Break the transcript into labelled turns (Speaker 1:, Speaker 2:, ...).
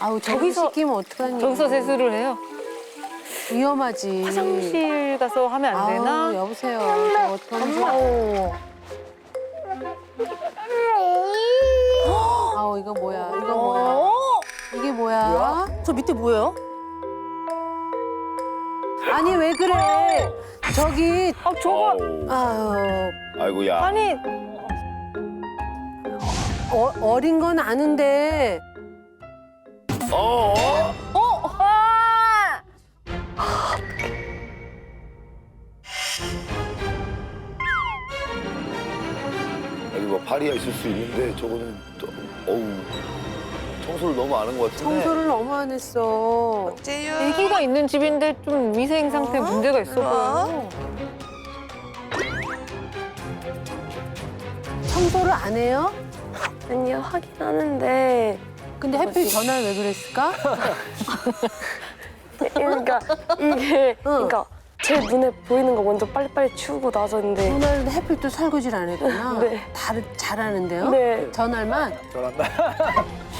Speaker 1: 아우 저기서 씻기면 어떡하니?
Speaker 2: 저기서 세수를 해요?
Speaker 1: 위험하지.
Speaker 2: 화장실 가서 하면 안 되나?
Speaker 1: 아우, 여보세요. 저 어떡하지? 아우 이거 뭐야? 이거 뭐야? 이게 뭐야?
Speaker 3: 저 밑에 뭐예요?
Speaker 1: 아니 왜 그래? 저기
Speaker 2: 아 저거
Speaker 1: 아유
Speaker 4: 아이고야.
Speaker 2: 아니
Speaker 1: 어린 건 아는데
Speaker 4: 어? 여기 뭐 파리가 있을 수 있는데 저거는 또 어우 청소를 너무 안 한 것 같은데.
Speaker 1: 청소를 너무 안 했어.
Speaker 2: 애기가 있는 집인데 좀 위생 상태에 문제가 있어 보여요.
Speaker 1: 청소를 안 해요?
Speaker 5: 아니요, 하긴 하는데.
Speaker 1: 근데 하필 전화를 왜 그랬을까?
Speaker 5: 그러니까 이게, 그러니까 제 눈에 보이는 거 먼저 빨리빨리 치우고 나서는데.
Speaker 1: 전화를 하필 또 설거지를 안 했구나.
Speaker 5: 네.
Speaker 1: 잘하는데요?
Speaker 5: 네.
Speaker 1: 전화만?
Speaker 4: 잘한다.